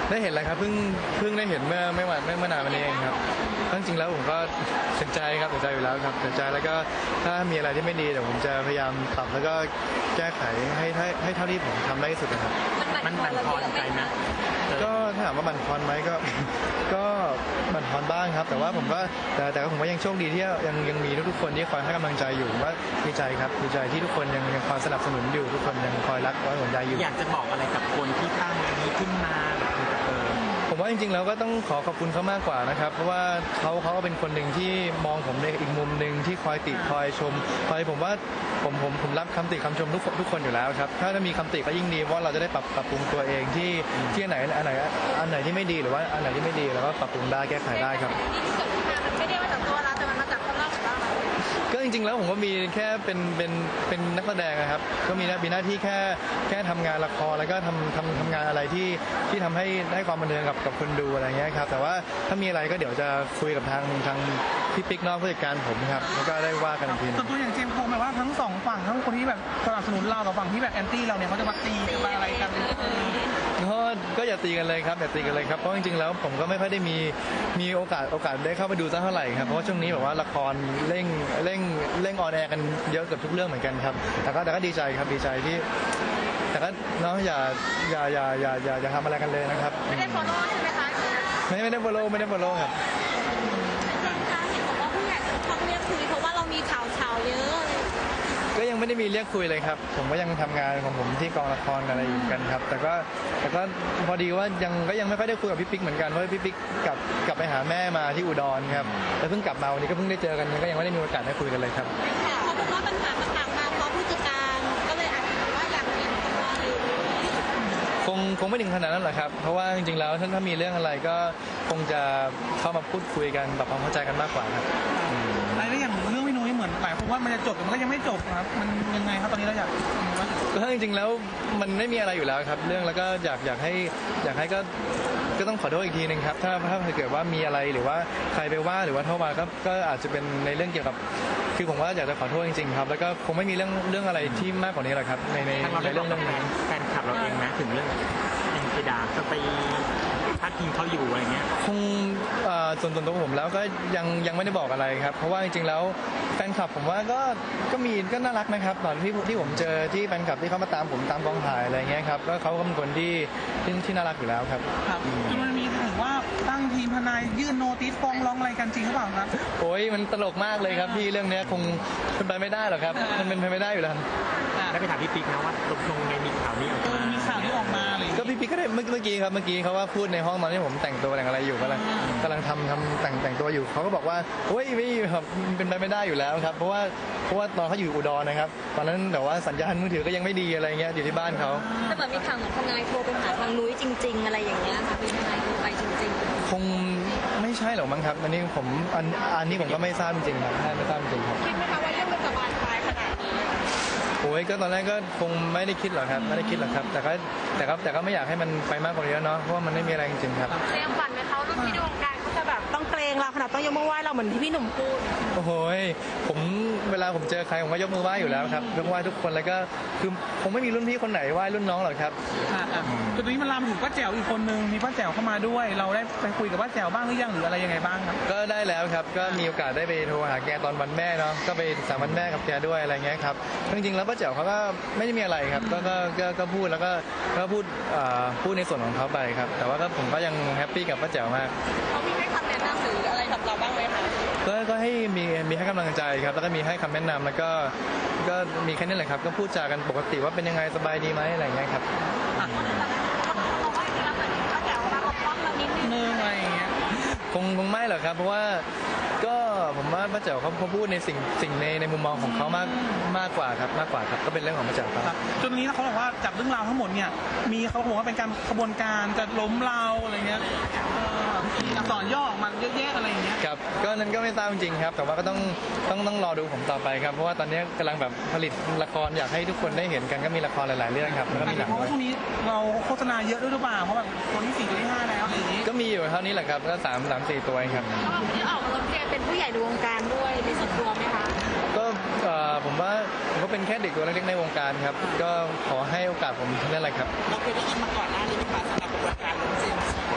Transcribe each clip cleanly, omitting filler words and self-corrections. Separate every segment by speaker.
Speaker 1: ได้เห็นแล้วครับเพิ่งได้เห็นเมื่อนานมานี้เองครับจริงๆแล้วผมก็เสียใจครับเสียใจอยู่แล้วครับเสียใจแล้วก็ถ้ามีอะไรที่ไม่ดีเดี๋ยวผมจะพยายามปรับแล้วก็แก้ไขให้เท่าที่ผมทำได้ที่สุดนะครับ
Speaker 2: มันบั่นทอนใจไหม
Speaker 1: ก็ถ้าถามว่าบั่นทอนไหมก็บั่นทอนบ้างครับแต่ว่าผมก็แต่ผมว่ายังโชคดีที่ยังมีทุกคนที่คอยให้กำลังใจอยู่ว่าดีใจครับดีใจที่ทุกคนยังคอยสนับสนุนอยู่ทุกคนยังคอยรักคอยห่วงใยอยู่
Speaker 2: อยากจะบอกอะไรกับคนที่ตั้งอันนี้ขึ้นมา
Speaker 1: ผมว่าจริงๆแล้วก็ต้องขอบคุณเขามากกว่านะครับเพราะว่าเขาก็เป็นคนหนึ่งที่มองผมในอีกมุมหนึ่งที่คอยติคอยชมผมว่าผมรับคำติคำชมทุกคนอยู่แล้วครับถ้ามีคำติก็ยิ่งดีเพราะเราจะได้ปรับปรุงตัวเองที่อันไหนที่ไม่ดีหรือว่าอันไหนที่ไม่ดีเราก็ปรับปรุงได้แก้ไขได้ครับ
Speaker 3: ไม่ได้มาจากตัวเราแต่มันมาจากข้างนอกของเรา
Speaker 1: ก็จริงๆแล้วผมก็มีแค่เป็นนักแสดงนะครับก็มีหน้าที่แค่ทำงานละครแล้วก็ทำงานอะไรที่ทำให้ความบันเทิงกับคนดูอะไรเงี้ยครับแต่ว่าถ้ามีอะไรก็เดี๋ยวจะคุยกับทางพี่ปิ๊กนอกผู้จัดการผมครับแล้วก็ได้ว่ากันอีกที
Speaker 4: ส่วนตัวอย่างเจมส์โคหมายว่าทั้งสองฝั่งทั้งคนที่แบบสนับสนุนเรากับฝั่งที่แบบแอนตี้เราเนี่ยเขาจะมาตีกันมาอะไรกัน
Speaker 1: ก็อย่าตีกันเลยครับอย่าตีกันเลยครับเพราะจริงๆแล้วผมก็ไม่ค่อยได้มีโอกาสได้เข้าไปดูสักเท่าไหร่ครับเพราะว่าช่วงนี้แบบว่าละครเร่งออนแอร์กันเยอะเกือบทุกเรื่องเหมือนกันครับแต่ก็ดีใจครับดีใจที่แต่ก็น้องอย่าทำอะไรกันเลยนะครับ
Speaker 3: ไม่ได้ follow ใช่ไหมคะ
Speaker 1: ไม่ได้ follow ครับ
Speaker 3: เห็นบอกว่าผู้ใหญ่เขาเรียกคุยเพราะว่าเรามีข่าวเยอะ
Speaker 1: ก็ยังไม่ได้มีเรียกคุยเลยครับผมก็ยังทำงานของผมที่กองละครอะไรอยู่กันครับแต่ก็พอดีว่ายังไม่ค่อยได้คุยกับพี่ปิ๊กเหมือนกันเพราะพี่ปิ๊กกลับไปหาแม่มาที่อุดรครับแล้วเพิ่งกลับมาวันนี้ก็เพิ่งได้เจอกันก็ยังไม่ได้มีโอกาสได้คุยกันเลยครับ
Speaker 3: เขาบอกว่าปัญหาต่างๆมาเพราะผู้จัดการก็เลยอาจจะว่าอยากเปลี่ยนตัวหรือ
Speaker 1: คงไม่ถึงขนาดนั้นหรอกครับเพราะว่าจริงๆแล้วถ้ามีเรื่องอะไรก็คงจะเข้ามาพูดคุยกันปรับความเข้าใจกันมากกว่าครับ
Speaker 4: แล้วอย่างเรื่องพี่นุ้ยเหมือนหลายคนว่ามันจะจบแต่มันก็ยังไม่จบครับมันยังไงครับตอนนี้เราอยาก
Speaker 1: ก็จริงๆแล้วมันไม่มีอะไรอยู่แล้วครับเรื่องแล้วก็อยากให้ก็ต้องขอโทษอีกทีนึงครับถ้าเกิดว่ามีอะไรหรือว่าใครไปว่าหรือว่าโทษมาก็อาจจะเป็นในเรื่องเกี่ยวกับคือผมว่าอยากจะขอโทษจริงๆครับแล้วก็คงไม่มีเรื่องอะไรที่มากกว่านี้หรอกครับในเรื่องนี้
Speaker 2: แฟนคลับเราเองนะถึงเรื่องยังไปด่าจะไปพาดพิงเขาอยู่อะไรเงี้ย
Speaker 1: คงส่วนตัวผมแล้วก็ยังไม่ได้บอกอะไรครับเพราะว่าจริงๆแล้วแฟนคลับผมว่าก็น่ารักนะครับตอนที่ผมเจอที่แฟนคลับที่เขามาตามผมตามกองถ่ายอะไรเงี้ยครับก็เขาก็เป็นคนที่น่ารักอยู่แล้วครับ
Speaker 4: ครับจนมันมีถึงว่าตั้งทีมทนายยื่นโนติสฟ้องร้องอะไรกันจริงหรือเปล่าครับ
Speaker 1: โอ้ยมันตลกมากเลยครับพี่เรื่องนี้คงเป็นไปไม่ได้หรอกครับมันเป็นไปไม่ได้อยู่แล้ว
Speaker 2: ได้ไปถามพี่ปิ๊กนะว่าตกลงไงมีข่าวนี้ออกมา
Speaker 4: มีข่าวนี้ออกมาเลย
Speaker 1: ก็พี่ปิ๊กก็ได้เมื่อกี้เขาว่าพูดในห้องตอนที่ผมแต่งตัวแต่งอะไรอยู่กำลังทำแต่งตัวอยู่เขาก็บอกว่าโอ้ยไม่ครับเป็นไปไม่ได้อยู่แล้วครับเพราะว่าตอนเขาอยู่อุดรนะครับตอนนั้นแต่ว่าสัญญาณมือถือก็ยังไม่ดีอะไรเงี้ยอยู่ที่บ้านเขา
Speaker 3: แต่เหมือนมีข่าวเหมือนทนายโทรไปหาทางนุ้ยจริงๆอะไรอย่างเงี้ยค่ะเป็นทนายโทรไปจริง
Speaker 1: ๆคงไม่ใช่หรอกมั้งครับอันนี้อันนี้ผมก็ไม่ทราบจริงๆครับไม่ทราบจริงครับ
Speaker 3: คิดไหมคะว่าเรื่องมันจะบานปลายขนาดนี้
Speaker 1: โอ้ยก็ตอนแรกก็คงไม่ได้คิดหรอกครับไม่ได้คิดหรอกครับแต่ก็ไม่อยากให้มันไปมากกว่านี้แล้วเนาะเพราะว่ามันไม่มีอะไรจริงๆครับ
Speaker 3: เตรียมฝันไหมเขารุ่นพี่ในวงการเขาจะแบบต้องเกรงเราขนาดต้องยกมือไหว้เราเหมือนที่พี่หนุ่มพูด
Speaker 1: โอ้โหเวลาผมเจอใครผมก็ยกมือไหว้อยู่แล้วครับยกไหว้ทุกคนแล้วก็คือคงไม่มีรุ่นพี่คนไหนไหว้รุ่นน้องหรอกครับ
Speaker 4: ตอนนี้มันลามถึงป้าแจ๋วอีกคนนึงมีป้าแจ๋วเข้ามาด้วยเราได้ไปคุยกับป้าแจ๋วบ้างหรือยังหรืออะไรยังไงบ้างครับ
Speaker 1: ก็ได้แล้วครับก็มีโอกาสได้ไปโทรหาแกตอนวันแม่เนาะก็ไปสามวันแม่กับแกด้วยอะไรเงี้ยครับจริงๆแล้วป้าแจ๋วเขาก็ไม่ได้มีอะไรครับก็พูดแล้วก็พูดในส่วนของเขาไปครับแต่ว่าผมก็ยังแฮปปี้กับป้าแจ๋วมาก
Speaker 3: เขามีให้คำแนะนำหรืออะไรกับเราบ้างไหมคะ
Speaker 1: ก็ให้มีให้กำลังใจครับแล้วก็มีให้คำแนะนำแล้วก็มีแค่นี้แหละครับก็พูดจากันปกติว่าเป็นยังไงสบายดีไหมอะไรเงี้ยครับคงไม่หรอกครับเพราะว่าก็ผมว่าป้าแจ๋วเขาพูดในสิ่งในมุมมองของเขามากกว่าครับก็เป็นเรื่องของป้าแจ๋วครับ
Speaker 4: จนนี้เขาบอกว่าจากเรื่องราวทั้งหมดเนี่ยมีเขาบอกว่าเป็นการขบวนการจะล้มเราอะไรเงี้ยอักษรย่อออกมาเยอะแยะอะไรอย่างเงี้ย
Speaker 1: ครับก็นั้นก็ไม่ทราบจริงครับแต่ว่าก็ต้องรอดูผมต่อไปครับเพราะว่าตอนนี้กำลังแบบผลิตละครอยากให้ทุกคนได้เห็นกันก็มีละครหลายๆเรื่องครับแล้วก็มีหนัง
Speaker 4: เพราะว่าช่วงนี้เราโฆษณาเยอะด้วยหรือเปล่าเพราะแบบตัวที่4ตัวที่5แล้วอะไรอย่างงี้
Speaker 1: ก็มีอยู่เท่านี้แหละครับก็3-4ตัวเองครับ
Speaker 3: ที่ออกมาเรียนเป็นผู้ใหญ่ในวงการด้วยมีส่วนตัวไหมคะ
Speaker 1: ก็ผมว่าผมก็เป็นแค่เด็กตัวเล็กๆในวงการครับก็ขอให้โอกาสผมนั่นแหละครับ
Speaker 4: เราเคยได้ยินมาก่อนหน้านี้ไหมคะสำหรับกระบวนการของเจมส์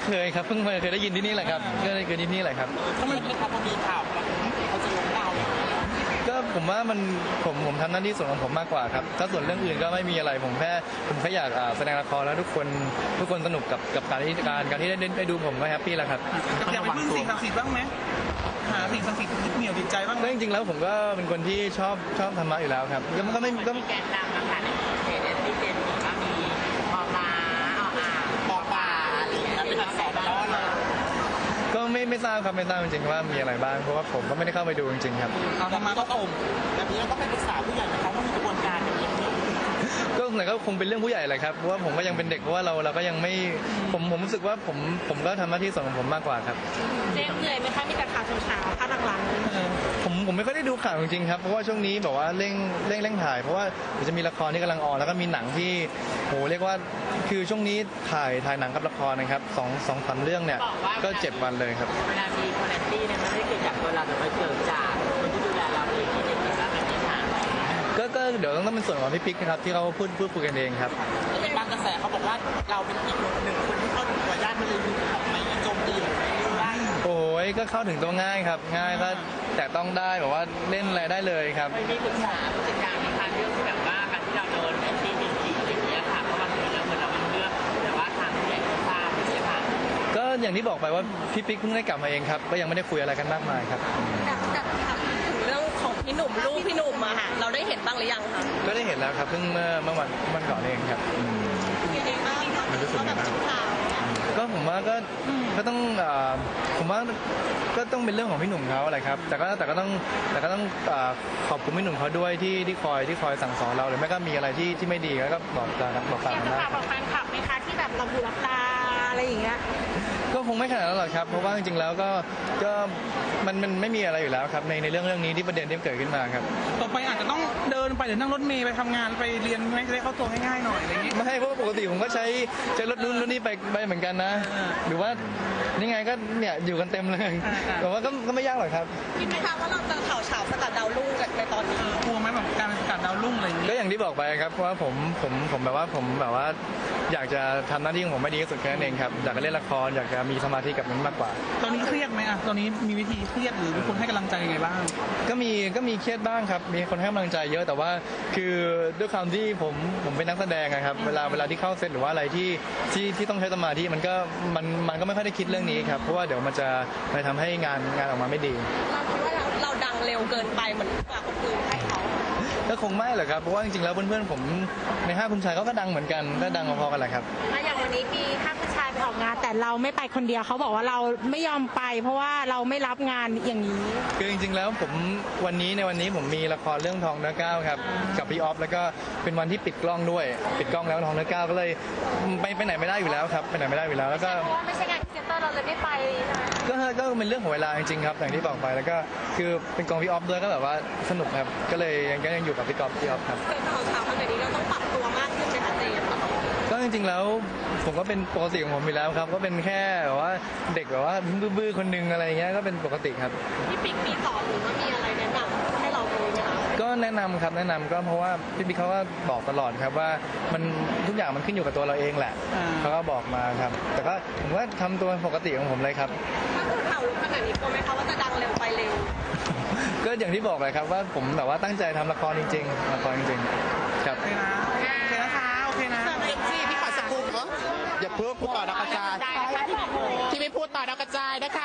Speaker 1: เคยครับเพิ่งเคยได้ยินที่นี่แหละครับก็เคยได้ยินที่นี่แหละครับ
Speaker 4: ทำไมเขาพอมีข่าวเขาจะล้มเรา
Speaker 1: ก็ผมว่ามันผมทำหน้าที่ส่วนของผมมากกว่าครับถ้าส่วนเรื่องอื่นก็ไม่มีอะไรผมแค่อยากแสดงละครแล้วทุกคนสนุกกับการที่ได้ดูผมก็แฮปปี้แล้วครับ
Speaker 4: อยากไปพึ่งสิ่งศักดิ์สิทธิ์บ้างไหมหาสิ่งศักดิ์สิทธิ์ยึดเหนี่ยวจิตใจบ้างไหม
Speaker 1: ก็จริงๆแล้วผมก็เป็นคนที่ชอบธรรมะอยู่แล้วครับก็ไม่ก็
Speaker 5: แกนนำนะคะในเพจที่เจนบอกว่ามีพอปลา
Speaker 4: ปอปลาอะไรอย่างเงี้ยเป็นอักษรย่อเลย
Speaker 1: ก็ไม่ทราบครับไม่ทราบจริงๆว่ามีอะไรบ้างเพราะว่าผมก็ไม่ได้เข้าไปดูจริงๆครับ
Speaker 4: เอาธรรมะก็อมแบบนี้เราต้องไปปรึกษาผู้ใหญ่ไหมเขาว่ามีกระบวนการอย่างนี้
Speaker 1: ก็ไหนก็คงเป็นเรื่องผู้ใหญ่แหละครับเพราะว่าผมก็ยังเป็นเด็กเพราะว่าเราก็ยังไม่ผมรู้สึกว่าผมก็ทำหน้าที่ส่วนของผมมากกว่าครับ
Speaker 3: เจ๊เหนื่อยไหมคะมีแต่ข่าวเช้าๆข่าวหลังๆ
Speaker 1: ผมไม่ค่อยได้ดูข่าวจริงๆครับเพราะว่าช่วงนี้แบบว่าเร่งถ่ายเพราะว่าเดี๋ยวจะมีละครที่กำลังออนแล้วก็มีหนังที่โหเรียกว่าคือช่วงนี้ถ่ายหนังกับละครนะครับ2-3เรื่องเนี่ยก็7 วันเลยครับ
Speaker 5: เวลามีคนแอนตี้เนี่ยมันไม่ได้เกิดจากตัวเราแต่มันเกิดจากคนที่ดูแลเราเองที่เป็นแบบเป็นที่ฐาน
Speaker 1: ก็เดี๋ยวต้องเป็นส่วนของพี่ปิ๊กนะครับที่เขาพูดคุยกันเองครับ
Speaker 4: เป็นบางกระแสเขาบอกว่าเราเป็นอีกหนึ่งคนที่เข้าถึงตัวญาติมันเลยมีของไม่โจมตีหรือไม่ได้
Speaker 1: โอ้ยก็เข้าถึงตัวง่ายครับง่ายก็แต่ต้องได้แบบว่าเล่นอะไรได้เลยครับ
Speaker 5: ไม่มีปรึกษาผู้จัดการในการเรื่องที่แบบว่าการที่เราโดนแอนตี้จริงๆอย่างเงี้ยค่ะเพราะบางทีแล้วเหมือนเราเป็นเรื่องแต่ว่าทางผู้ใหญ่ก็ทราบอย่างเงี้ยค่ะ
Speaker 1: ก็อย่างที่บอกไปว่าพี่ปิ๊กเพิ่งได้กลับมาเองครับก็ยังไม่ได้คุยอะไรกันมากมายครับ
Speaker 3: จากถามถึงเรื่องของพี่หนุ่มลูกพี่หนุ่มอะค่ะเราได้เห็นบ้างหรือยังคะ
Speaker 1: ก็ได้เห็นแล้วครับเพิ่งเมื่อวันก่อนเองครับ
Speaker 3: ยังไงบ้างคะ
Speaker 1: มันรู้สึกยังไงบ้าง
Speaker 3: ข่าว
Speaker 1: ก็ผมว่าก็ต้องผมว่าก็ต้องเป็นเรื่องของพี่หนุ่มเขาแหละครับแต่ก็ต้องขอบคุณพี่หนุ่มเขาด้วยที่คอยสั่งสอนเราหรือไม่ก็มีอะไรที่ไม่ดีก็บอกกล่าว
Speaker 3: อยาก
Speaker 1: กัน
Speaker 3: จะ
Speaker 1: ได้
Speaker 3: ฝากบอกแฟนคลับไหมคะที่แบบเราบูรับตาอะไรอย่างเงี้ย
Speaker 1: ก็คงไม่ขนาดนั้นหรอกครับเพราะว่าจริงๆแล้วก็มันไม่มีอะไรอยู่แล้วครับในเรื่องนี้ที่ประเด็นที่เกิดขึ้นมาครับ
Speaker 4: ต่อไปอาจจะต้องเดินไปหรือนั่งรถเมล์ไปทำงานไปเรียนไม่ได้เข้าตัวง่ายๆหน่อยอะไรอย่างเงี้ย
Speaker 1: ไม่เพราะว่าปกติผมก็ใช้รถนู้นรถนี้ไปเหมือนกันนะ หรือว่านี่ไงก็เนี่ยอยู่กันเต็มเลยแต่ว่าก็ไม่ยากหรอกครับ
Speaker 3: คิดไหมคะว่าเราจะข่าวเฉาสกัดดาวรุ่งในตอนนี้
Speaker 4: กลัวไหมแบบการเป็นสกัดดาวรุ่งอะไรอย่างเงี้ย
Speaker 1: ก็อย่างที่บอกไปครับว่าผมแบบว่าอยากจะทำหน้าที่ของผมให้ดีที่สุดแค่นั้นเองครับอยากจะเล่นละครอยากจะมีสมาธิกับมันมากกว่า
Speaker 4: ตอนนี้เครียดไหมอะตอนนี้มีวิธีเครียดหรือมีคนให้กำลังใจยังไงบ้าง
Speaker 1: ก็มีเครียดบ้างครับมีคนให้กำลังใจเยอะแต่ว่าคือด้วยความที่ผมเป็นนักแสดงอะครับเวลาที่เข้าเซตหรือว่าอะไรที่ต้องใช้สมาธิมันก็ไม่ค่อยได้คิดเรื่องนี้ครับเพราะว่าเดี๋ยวมันจะไปทำให้งานออกมาไม่ดี
Speaker 3: เราคิดว่าเราดังเร็วเกินไปเหมือนกว่าคนอื่นให้เขา
Speaker 1: ก็คงไม่หรอกครับเพราะว่าจริงๆแล้วเพื่อนๆผมในห้าคุณชายเขาก็ดังเหมือนกันก็ดังพอๆกันแหละครับ
Speaker 3: อย่างวันนี้มีถ้าผู้ชายไปออกงานแต่เราไม่ไปคนเดียวเขาบอกว่าเราไม่ยอมไป เพราะว่าเราไม่รับงานอย่างนี้
Speaker 1: คือจริงๆแล้วในวันนี้ผมมีละครเรื่องทองเนื้อก้าวครับกับพี่ออฟแล้วก็เป็นวันที่ปิดกล้องด้วยปิดกล้องแล้วทองเนื้อก้าวก็เลยไปไหนไม่ได้อยู่แล้วครับไปไหนไม่ได้อยู่แล้วแล้วก็
Speaker 3: เพราะว่าไม่ใช่งานพรีเซนเตอร์เราเลยไม่ไป
Speaker 1: ก็เป็นเรื่องของเวลาจริงๆครับอย่างที่บอกไปแล้วก็คือเป็นกองพี่ออฟด้วยก็แบบว่าสนุกครับก็เลยยังอยู่กับพี่ออฟครับ
Speaker 3: เป็นข่าวเช้าขนาดนี้เราต้องปรับตัวมากขึ้นไหมคะเจมส์
Speaker 1: ก็จริงๆแล้วผมก็เป็นปกติของผมอยู่แล้วครับก็เป็นแค่แบบว่าเด็กแบบว่าบื้อๆคนนึงอะไรเงี้ยก็เป็นปกติครับ
Speaker 3: พี่ปิ๊กมีสอนหรือว่ามีอะไรแนะนำให้เราดูไหมคะ
Speaker 1: ก็แนะนำครับแนะนำก็เพราะว่าพี่บิ๊กเขาก็บอกตลอดครับว่ามันทุกอย่างมันขึ้นอยู่กับตัวเราเองแหละเขาก็บอกมาครับแต่ก็ผมว่าทำตัวปกติของผมเลยครับ
Speaker 3: ถ้าคือข่าวรู้ขนาดนี้กลัวไหมคะว่าจะดังเร็วไปเร็ว
Speaker 1: ก็อย่างที่บอกเลยครับว่าผมแบบว่าตั้งใจทำละครจริงๆละครจริงๆครับ
Speaker 4: โอเคนะโอเคนะคะโอเคนะ
Speaker 6: พี่ขอสกู๊ปเนาะอย่าเพิ่งพูดต่อดาวกระจายที่ไม่พูดต่อดาวกระจายนะคะ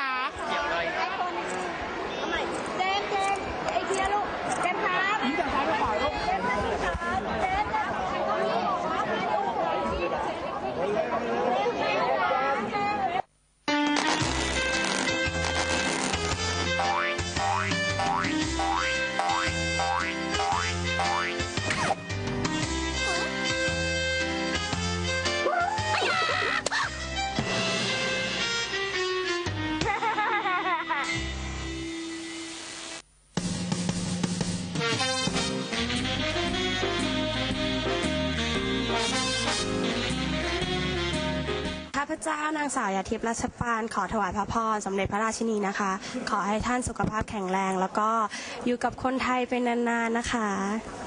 Speaker 3: เจมส์ไอเทียลูกเจมส์ครับเจมส์ครับเจมส์ครับเจมส์ครับ
Speaker 7: ข้าพเจ้านางสาวยาทิพย์รัชปานขอถวายพระพรสมเด็จพระราชินีนะคะ ขอให้ท่านสุขภาพแข็งแรง แล้วก็อยู่กับคนไทยเป็นนานๆนะคะ